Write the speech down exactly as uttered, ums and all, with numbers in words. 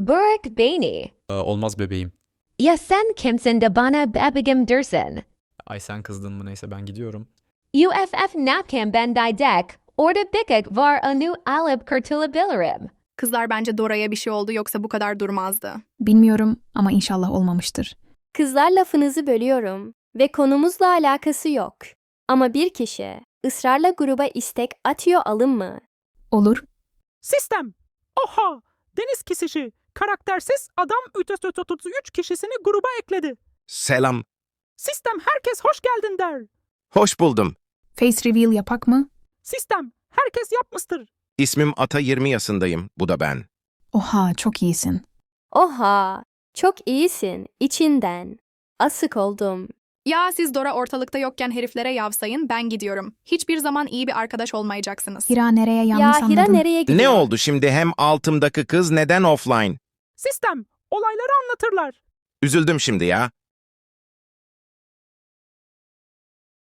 Burak beni. Ee, olmaz bebeğim. Ya sen kimsin de bana babagım dersin? Ay sen kızdın mı neyse ben gidiyorum. U F F napkin ben didek. Orada bikik var a new alıp kurtulabilirim. Kızlar bence Dora'ya bir şey oldu yoksa bu kadar durmazdı. Bilmiyorum ama inşallah olmamıştır. Kızlar lafınızı bölüyorum ve konumuzla alakası yok. Ama bir kişi ısrarla gruba istek atıyor alın mı? Olur. Sistem. Oha! Deniz kesişi. Karaktersiz adam üç yüz otuz üç kişisini gruba ekledi. Selam. Sistem herkes hoş geldin der. Hoş buldum. Face reveal yapak mı? Sistem herkes yapmıştır. İsmim Ata yirmi yaşındayım. Bu da ben. Oha çok iyisin. Oha! Çok iyisin içinden. Asık oldum. Ya siz Dora ortalıkta yokken heriflere yavsayın, ben gidiyorum. Hiçbir zaman iyi bir arkadaş olmayacaksınız. Hira nereye yanlış Ya Hira anladın? nereye gidiyor? Ne oldu şimdi hem altımdaki kız neden offline? Sistem olayları anlatırlar. Üzüldüm şimdi ya.